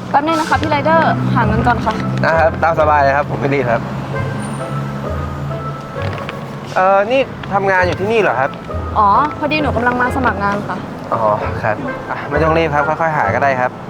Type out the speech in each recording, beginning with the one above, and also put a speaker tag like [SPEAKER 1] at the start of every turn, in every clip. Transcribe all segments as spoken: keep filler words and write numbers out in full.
[SPEAKER 1] แป๊บนึงนะคะพี่ไรเดอร์หาเงินก่อนค่ะ
[SPEAKER 2] นะครับตามสบายเลยครับผมไม่รีบครับเออนี่ทำงานอยู่ที่นี่เหรอครับ
[SPEAKER 1] อ๋อพอดีหนูกำลังมาสมัครงานค่ะ
[SPEAKER 2] อ๋อครับอ่ะไม่ต้องรีบครับค่อยๆหาก็ได้ครับ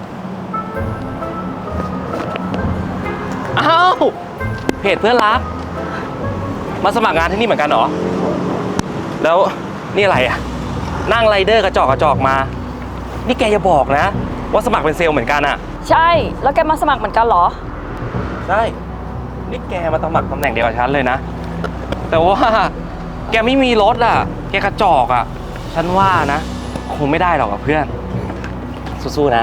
[SPEAKER 3] อ้าวเพจเพื่อนรักมาสมัครงานที่นี่เหมือนกันเหรอแล้วนี่อะไรอ่ะนั่งไรเดอร์กระจอกกระจอกมานี่แกอย่าบอกนะว่าสมัครเป็นเซลล์เหมือนกันอ่ะ
[SPEAKER 1] ใช่แล้วแกมาสมัครเหมือนกันเหรอ
[SPEAKER 3] ใช่นี่แกมาสมัครตำแหน่งเดียวกับฉันเลยนะแต่ว่าแกไม่มีรถอ่ะแกกระจอกอ่ะฉันว่านะคงไม่ได้หรอกกับเพื่อนสู้ๆนะ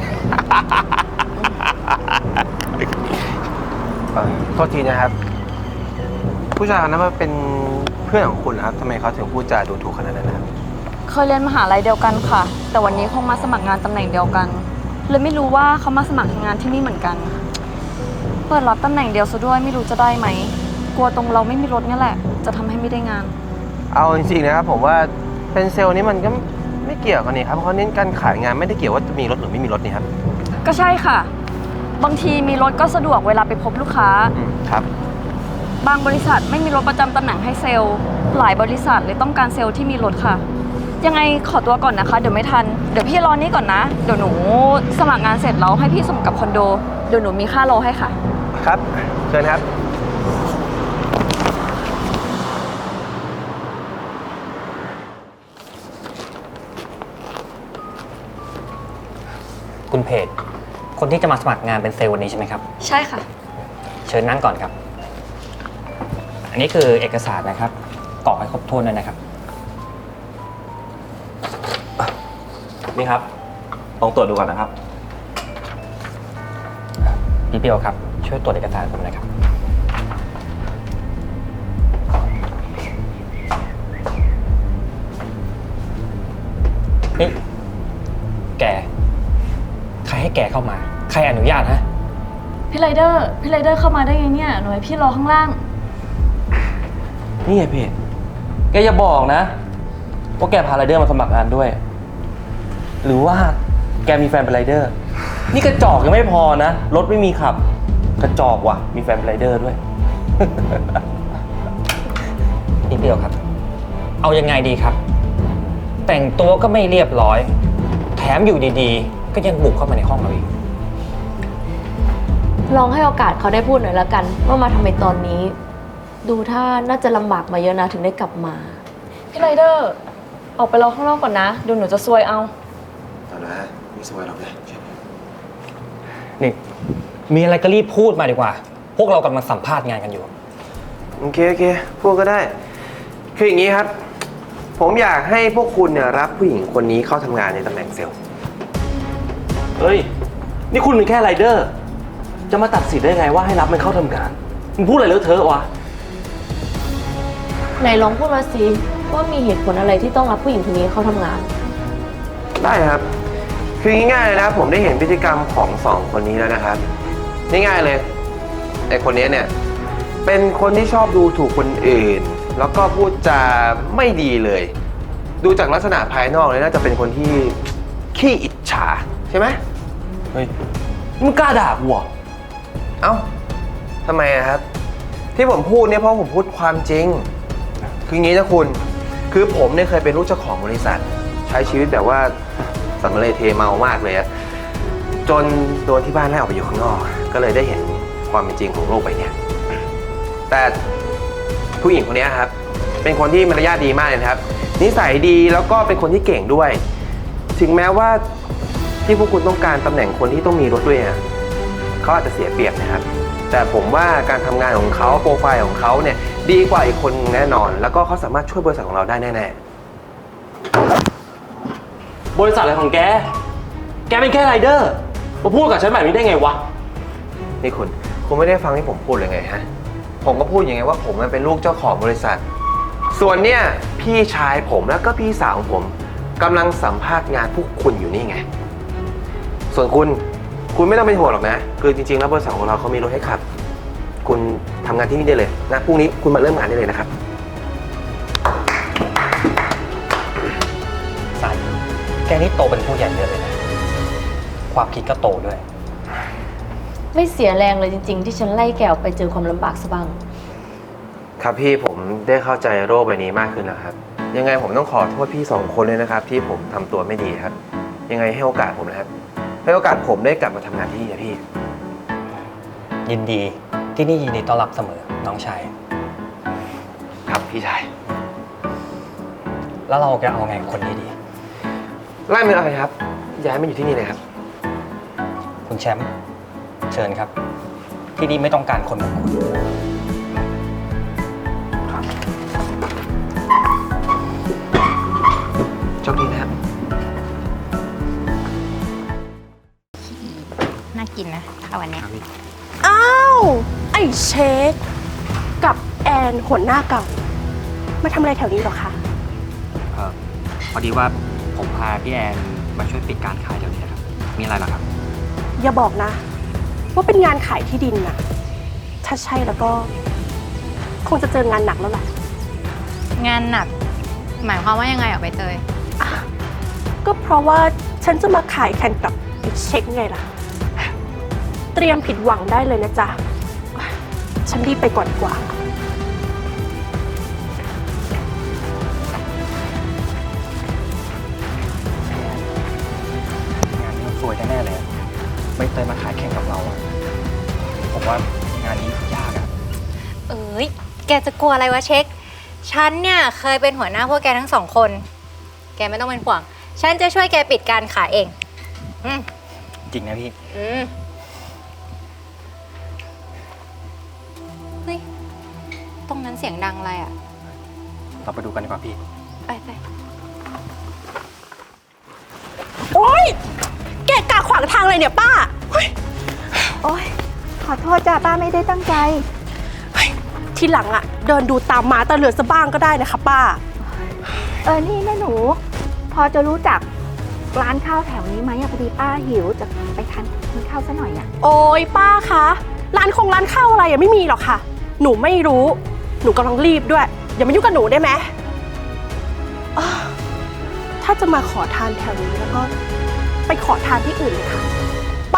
[SPEAKER 2] โทษทีนะครับผู้ชายคนนั้นมาเป็นเพื่อนของคุณครับทำไมเขาถึงพูดจาดูถูกขนาดนั้นนะครับ
[SPEAKER 1] เคยเรียนมหาลัยเดียวกันค่ะแต่วันนี้คงมาสมัครงานตำแหน่งเดียวกันเลยไม่รู้ว่าเขามาสมัครงานที่นี่เหมือนกันเปิดรับตำแหน่งเดียวซะด้วยไม่รู้จะได้ไหมกลัวตรงเราไม่มีรถนี่แหละจะทำให้ไม่ได้งาน
[SPEAKER 2] เอาจริงๆนะครับผมว่าเป็นเซลล์นี้มันก็ไม่เกี่ยวกันนี่ครับเพราะเขาเน้นการขายงานไม่ได้เกี่ยวว่าจะมีรถหรือไม่มีรถนี่ครับ
[SPEAKER 1] ก็ใช่ค่ะบางทีมีรถก็สะดวกเวลาไปพบลูกค้า
[SPEAKER 2] ครับ
[SPEAKER 1] บางบริษัทไม่มีรถประจำตำแหน่งให้เซลล์หลายบริษัทเลยต้องการเซลล์ที่มีรถค่ะยังไงขอตัวก่อนนะคะเดี๋ยวไม่ทันเดี๋ยวพี่รอนี่ก่อนนะเดี๋ยวหนูสมัครงานเสร็จแล้วให้พี่ส่งกับคอนโดเดี๋ยวหนูมีค่ารอให้ค่ะ
[SPEAKER 2] ครับเชิญครับ
[SPEAKER 4] คุณเพจคนที่จะมาสมัครงานเป็นเซลล์วันนี้ใช่ไหมครับ
[SPEAKER 1] ใช่ค่ะ
[SPEAKER 4] เชิญนั่งก่อนครับอันนี้คือเอกสารนะครับกรอกให้ครบถ้วนด้วยนะครับ
[SPEAKER 3] นี่ครับลองตรวจดูก่อนนะครับ
[SPEAKER 4] พี่เปียวครับช่วยตรวจเอกสารผมหน่อยครับนี่แกใครให้แกเข้ามาใครอนุญาตฮะ
[SPEAKER 1] พี่ไรเดอร์พี่ไรเดอร์เข้ามาได้ไงเนี่ยหนูให้พี่รอข้างล่าง
[SPEAKER 3] นี่ไงเพจแกอย่าบอกนะว่าแกพาไรเดอร์มาสมัครงานด้วยหรือว่าแกมีแฟนเป็นไรเดอร์นี่กระจอกยังไม่พอนะรถไม่มีขับกระจอกว่ะมีแฟนเป็นไรเดอร์ด้วย
[SPEAKER 4] พี่เปียวครับเอายังไงดีครับแต่งตัวก็ไม่เรียบร้อยแถมอยู่ดีๆก็ยังบุกเข้ามาในห้องเราอีก
[SPEAKER 5] ลองให้โอกาสเขาได้พูดหน่อยละกันว่ามาทำไมตอนนี้ดูถ้าน่าจะลำบากมาเยอะนะถึงได้กลับมา
[SPEAKER 1] พี่ไรเดอร์ออกไปรอข้างนอกก่อนนะเดี๋ยวหนูจะซวยเอา
[SPEAKER 2] ตอนนั้นไม่ซวยหรอกนะ
[SPEAKER 4] นี่มีอะไรก็รีบพูดมาดีกว่าพวกเรากำลังสัมภาษณ์งานกันอยู่
[SPEAKER 2] โอเคโอเคพูดก็ได้คืออย่างนี้ครับผมอยากให้พวกคุณเนี่ยรับผู้หญิงคนนี้เข้าทำงานในตำแหน่งเซลล์
[SPEAKER 3] เฮ้ยนี่คุณเป็นแค่ไรเดอร์จะมาตัดสินได้ไงว่าให้รับมันเข้าทำงานมึงพูดอะไรเลอะเทอะวะ
[SPEAKER 5] ไหนลองพูดมาสิว่ามีเหตุผลอะไรที่ต้องรับผู้หญิงคนนี้เข้าทำงาน
[SPEAKER 2] ได้ครับคือง่ายๆเลยนะครับผมได้เห็นพฤติกรรมของสองคนนี้แล้วนะครับง่ายๆเลยไอ้คนนี้เนี่ยเป็นคนที่ชอบดูถูกคนอื่นแล้วก็พูดจาไม่ดีเลยดูจากลักษณะภายนอกเลยน่าจะเป็นคนที่ขี้อิจฉาใช่ไหม
[SPEAKER 3] เฮ้ยมึงกล้าด่ากูเหรอ
[SPEAKER 2] เอ้าทำไมอะครับที่ผมพูดเนี่ยเพราะผมพูดความจริงคืออย่างนี้นะคุณคือผมเนี่ยเคยเป็นลูกเจ้าของบริษัทใช้ชีวิตแบบว่าสำเร็จเทเมามากเลยอะจนโดนที่บ้านไล่ออกไปอยู่ข้างนอกก็เลยได้เห็นความเป็นจริงของโลกใบนี้แต่ผู้หญิงคนนี้ครับเป็นคนที่มารยาทดีมากเลยครับนิสัยดีแล้วก็เป็นคนที่เก่งด้วยถึงแม้ว่าที่พวกคุณต้องการตำแหน่งคนที่ต้องมีรถด้วยเขาอาจจะเสียเปรียบนะครับแต่ผมว่าการทำงานของเขาโปรไฟล์ของเขาเนี่ยดีกว่าอีกคนแน่นอนแล้วก็เขาสามารถช่วยบริษัทของเราได้แน่
[SPEAKER 3] ๆบริษัทอะไรของแกแกเป็นแค่ไรเดอร์มาพูดกับฉันแบบนี้ได้ไงวะ
[SPEAKER 2] นี่คุณคุณไม่ได้ฟังที่ผมพูดเลยไงฮะผมก็พูดอย่างไงว่าผมเป็นลูกเจ้าของบริษัทส่วนเนี่ยพี่ชายผมแล้วก็พี่สาวของผมกำลังสัมภาษณ์งานพวกคุณอยู่นี่ไงส่วนคุณคุณไม่ต้องเป็นห่วงหรอกนะคือจริงๆแล้วบริษัทของเราเขามีรถให้ขับคุณทำงานที่นี่ได้เลยนะพรุ่งนี้คุณมาเริ่มงานได้เลยนะครับ
[SPEAKER 4] สายแกนี่โตเป็นผู้ใหญ่เยอะเลยนะความคิดก็โตด้วย
[SPEAKER 5] ไม่เสียแรงเลยจริง ๆ ที่ฉันไล่แกออกไปเจอความลำบากซะบ้าง
[SPEAKER 2] ครับพี่ผมได้เข้าใจโรคใบนี้มากขึ้นแล้วครับ ยังไงผมต้องขอโทษพี่สองคนเลยนะครับ ที่ผมทำตัวไม่ดีครับ ยังไงให้โอกาสผมนะครับให้โอกาสผมได้กลับมาทำงานที่นี่นะพี่
[SPEAKER 4] ยินดีที่นี่ยินดีต้อนรับเสมอน้องชาย
[SPEAKER 2] ครับพี่ชาย
[SPEAKER 4] แล้วเราจะเอาไงกับคนนี้ดี
[SPEAKER 2] ไล่มันอะไรครับย้ายมาอยู่ที่นี่เลยครับ
[SPEAKER 4] คุณแชมป์เชิญครับ ที่นี่ไม่ต้องการคนแบบคุณ
[SPEAKER 2] โชคดีนะครับ
[SPEAKER 6] น่ากินนะข้าววันเนี้ย
[SPEAKER 7] อ้าว ไอ้เชคกับแอนหัวหน้าเก่า มาทำอะไรแถวนี้หรอคะ
[SPEAKER 4] เออพอดีว่าผมพาพี่แอนมาช่วยปิดการขายแถวนี้ครับ มีอะไรหรอครับ
[SPEAKER 7] อย่าบอกนะ ว่าเป็นงานขายที่ดินน่ะ ถ้าใช่แล้วก็ คงจะเจองานหนักแล้วแหละ
[SPEAKER 6] งานหนัก หมายความว่ายังไงอ่ะใบเตย
[SPEAKER 7] ก็เพราะว่าฉันจะมาขายแข่งกับไอ้เช็คไงล่ะ เตรียมผิดหวังได้เลยนะจ๊ะ ฉันรีบไปก่อนดีกว่า
[SPEAKER 4] งานนี้ต้องสวยแน่ๆเลยไม่เตยมาขายแข่งกับเราอะผมว่างานนี้ยากอะ
[SPEAKER 6] เอ้ย แกจะกลัวอะไรวะเช็ค ฉันเนี่ยเคยเป็นหัวหน้าพวกแกทั้งสองคน แกไม่ต้องเป็นห่วง ฉันจะช่วยแกปิดการขายเอง อืม
[SPEAKER 4] จริงนะพี่
[SPEAKER 6] อืมเฮ้ย ตรงนั้นเสียงดังอะไรอ่ะ
[SPEAKER 4] เราไปดูกันดีกว่าพี่
[SPEAKER 6] ไปไป
[SPEAKER 7] โอ๊ย แกะกะขวางทางเลยเนี่ยป้าเฮ้ย
[SPEAKER 8] โอ๊ย ขอโทษจ้าป้าไม่ได้ตั้งใจ
[SPEAKER 7] เฮ้ยทีหลังอะเดินดูตามหมาตาเหลือซะบ้างก็ได้นะคะป้า
[SPEAKER 8] เออ นี่แม่หนู พอจะรู้จักร้านข้าวแถวนี้ไหมอะพอดีป้าหิวจะไปทานกินข้าวซะหน่อยอะ
[SPEAKER 7] โอ้ยป้าคะ ร้านคงร้านข้าวอะไรอะไม่มีหรอกค่ะ หนูไม่รู้ หนูกำลังรีบด้วย อย่ามายุ่งกับหนูได้ไหมอ้าวถ้าจะมาขอทานแถวนี้แล้วก็ไปขอทานที่อื่นเลยค่ะ ไป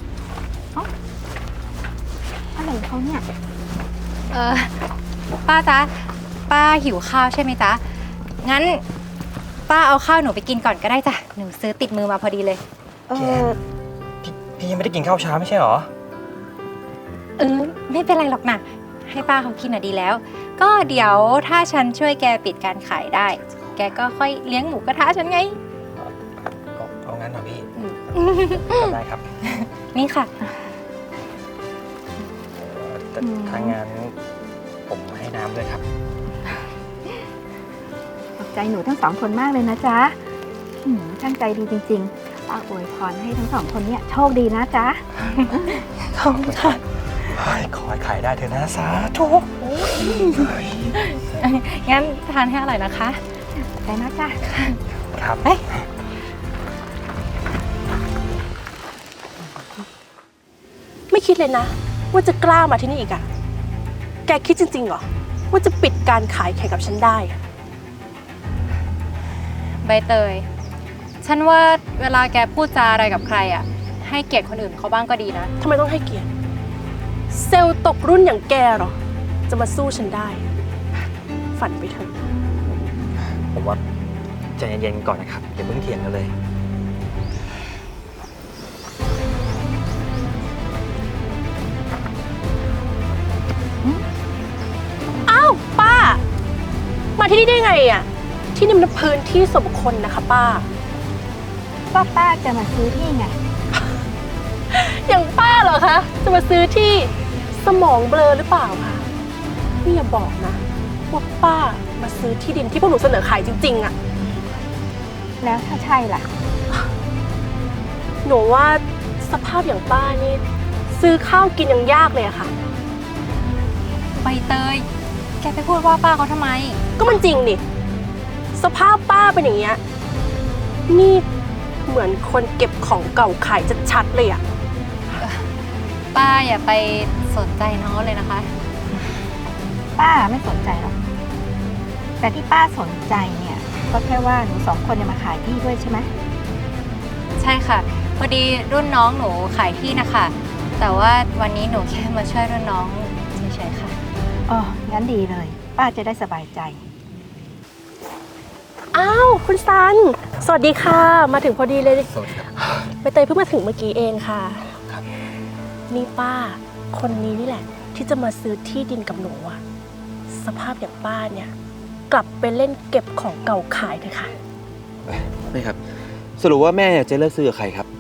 [SPEAKER 8] อะไรของเขาเนี่ย
[SPEAKER 6] เออ ป้าจ๊ะ ป้าหิวข้าวใช่ไหมจ๊ะ งั้น ป้าเอาข้าวหนูไปกินก่อนก็ได้จ้ะ หนูซื้อติดมือมาพอดีเลย
[SPEAKER 8] เอ
[SPEAKER 4] แก
[SPEAKER 8] อ
[SPEAKER 4] พี่พี่ยังไม่ได้กินข้าวเช้าไม่ใช่เหรอ
[SPEAKER 6] เออ ไม่เป็นไรหรอกนะ ให้ป้าเขากินอ่ะดีแล้ว ก็เดี๋ยวถ้าฉันช่วยแกปิดการขายได้ แกก็ค่อยเลี้ยงหมูกระทะฉันไง
[SPEAKER 4] เอาเอางั้นเหรอพี่
[SPEAKER 6] อืม
[SPEAKER 4] ได้ครับ
[SPEAKER 6] นี่ค่ะ
[SPEAKER 4] แต่ถ้างั้นผมให้น้ำด้วยครับ
[SPEAKER 8] ขอบใจหนูทั้งสองคนมากเลยนะจ๊ะหืมช่างใจดีจริงๆป้าอวยพรให้ทั้งสองคนเนี่ยโชคดีนะจ๊ะ
[SPEAKER 7] ขอบคุณค่ะ
[SPEAKER 4] ขอให้ขายได้เถอะนะสาธุ
[SPEAKER 6] งั้นทานให้อร่อยนะคะ
[SPEAKER 8] ใจนะจ๊ะ
[SPEAKER 4] ครับ
[SPEAKER 7] ไม่คิดเลยนะ ว่าจะกล้ามาที่นี่อีกอะแกคิดจริงๆเหรอ ว่าจะปิดการขายแข่งกับฉันได้อะ
[SPEAKER 6] ใบเตย ฉันว่าเวลาแกพูดจาอะไรกับใครอ่ะ ให้เกียรติคนอื่นเขาบ้างก็ดีนะ
[SPEAKER 7] ทำไมต้องให้เกียรติ เซลล์ตกรุ่นอย่างแกเหรอ จะมาสู้ฉันได้ ฝันไปเถอะ
[SPEAKER 4] ผมว่าใจเย็นๆก่อนนะครับอย่าเพิ่งเถียงกันเลย
[SPEAKER 7] อ้าว ป้า มาที่นี่ได้ไงอะที่นี่มันพื้นที่ส่วนบุคคลนะคะป้า
[SPEAKER 8] ก็ป้าจะมาซื้อที่ไง
[SPEAKER 7] อย่างป้าเหรอคะ จะมาซื้อที่สมองเบลอหรือเปล่าคะนี่อย่าบอกนะ ว่าป้ามาซื้อที่ดินที่พวกหนูเสนอขายจริงๆอะ
[SPEAKER 8] แล้วถ้าใช่ล่ะ
[SPEAKER 7] หนูว่าสภาพอย่างป้านี่ ซื้อข้าวกินยังยากเลยอะค่ะ
[SPEAKER 6] ใบเตย แกไปพูดว่าป้าเขาทำไม
[SPEAKER 7] ก็มันจริงดิสภาพป้าเป็นอย่างเงี้ยนี่เหมือนคนเก็บของเก่าขายชัดๆเลยอะ
[SPEAKER 6] ป้าอย่าไปสนใจน้องเลยนะคะ
[SPEAKER 8] ป้าไม่สนใจหรอก แต่ที่ป้าสนใจเนี่ย ก็แค่ว่าหนูสองคนจะมาขายที่ด้วยใช่ไหม
[SPEAKER 6] ใช่ค่ะ พอดีรุ่นน้องหนูขายที่นะคะแต่ว่าวันนี้หนูแค่มาช่วยรุ่นน้องเฉยๆค่ะ
[SPEAKER 8] อ๋อ งั้นดีเลย ป้าจะได้สบายใจ
[SPEAKER 7] อ้าว คุณซัน สวัสดีค่ะ มาถึงพอดีเลย
[SPEAKER 2] สวัสดีครับ
[SPEAKER 7] ใบเตยเพิ่งมาถึงเมื่อกี้เองค่ะ
[SPEAKER 2] ครับ
[SPEAKER 7] นี่ป้า คนนี้นี่แหละ ที่จะมาซื้อที่ดินกับหนูอะสภาพอย่างป้าเนี่ย กลับไปเล่นเก็บของเก่าขายเถอะค่ะ
[SPEAKER 3] ไม่ครับ สรุปว่าแม่จะเลิกซื้อกับใครครับ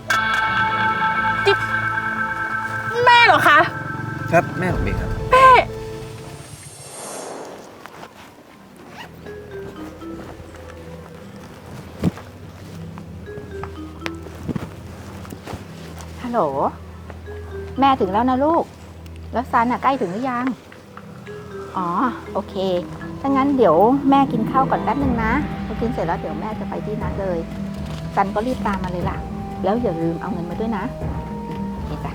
[SPEAKER 7] แม่เหรอคะ
[SPEAKER 2] ครับแม่ผมเองครับ
[SPEAKER 7] แม่
[SPEAKER 8] ฮัลโหล แม่ถึงแล้วนะลูก แล้วซันอ่ะใกล้ถึงหรือยัง อ๋อ โอเค ถ้างั้นเดี๋ยวแม่กินข้าวก่อนแป๊บนึงนะพอกินเสร็จแล้วเดี๋ยวแม่จะไปที่นัดเลย ซันก็รีบตามมาเลยล่ะ แล้วอย่าลืมเอาเงินมาด้วยนะโอเคจ้ะ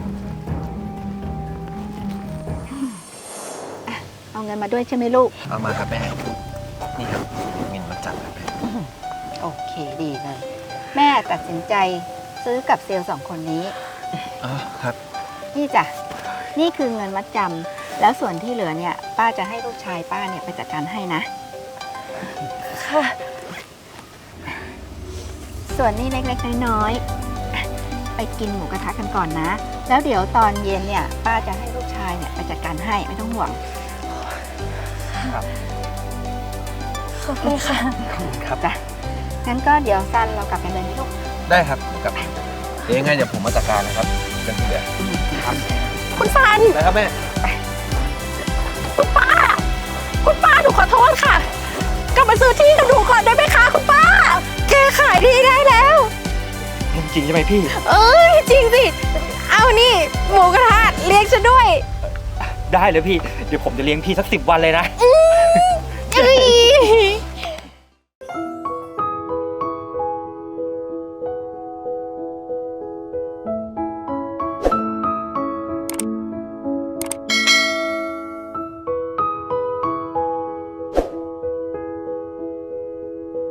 [SPEAKER 8] อ่ะเอาเงินมาด้วยใช่ไหมลูก
[SPEAKER 2] เอามาครับแม่ นี่ครับเงินมาจับครับแม่
[SPEAKER 8] โอเคดีเลย แม่ตัดสินใจซื้อกับเซลล์สองคนนี้
[SPEAKER 2] อ๋อครับ
[SPEAKER 8] นี่จ้ะ นี่คือเงินมัดจำ แล้วส่วนที่เหลือเนี่ย ป้าจะให้ลูกชายป้าเนี่ยไปจัดการให้นะ
[SPEAKER 7] ค่ะ
[SPEAKER 8] ส่วนนี้เล็กๆน้อยๆอ่ะไปกินหมูกระทะกันก่อนนะ แล้วเดี๋ยวตอนเย็นเนี่ย ป้าจะให้ลูกชายเนี่ยไปจัดการให้ไม่ต้องห่วง
[SPEAKER 7] ขอบคุณค่ะ
[SPEAKER 2] ครับ
[SPEAKER 8] จ้ะ งั้นก็เดี๋ยวซันเรากลับกันเลยนะลูก
[SPEAKER 2] ได้ครับเดี๋ยวกลับเดี๋ยวยังไงเดี๋ยวผมมาจัดการนะครับเรื่องที่เหลือครับ
[SPEAKER 7] คุณซัน
[SPEAKER 2] นะครับแม่
[SPEAKER 7] คุณป้า คุณป้าหนูขอโทษค่ะ กลับมาซื้อที่กับหนูก่อนได้ไหมคะคุณป้า
[SPEAKER 6] แกขายดีได้แล้ว
[SPEAKER 3] จริงใช่ไหมพี่
[SPEAKER 6] เอ้ยจริงสิ เอานี่ หมูกระทะเลี้ยงฉันด้วย
[SPEAKER 4] ได้เลยพี่ เดี๋ยวผมจะเลี้ยงพี่สักสิบวันเลยนะ
[SPEAKER 6] อื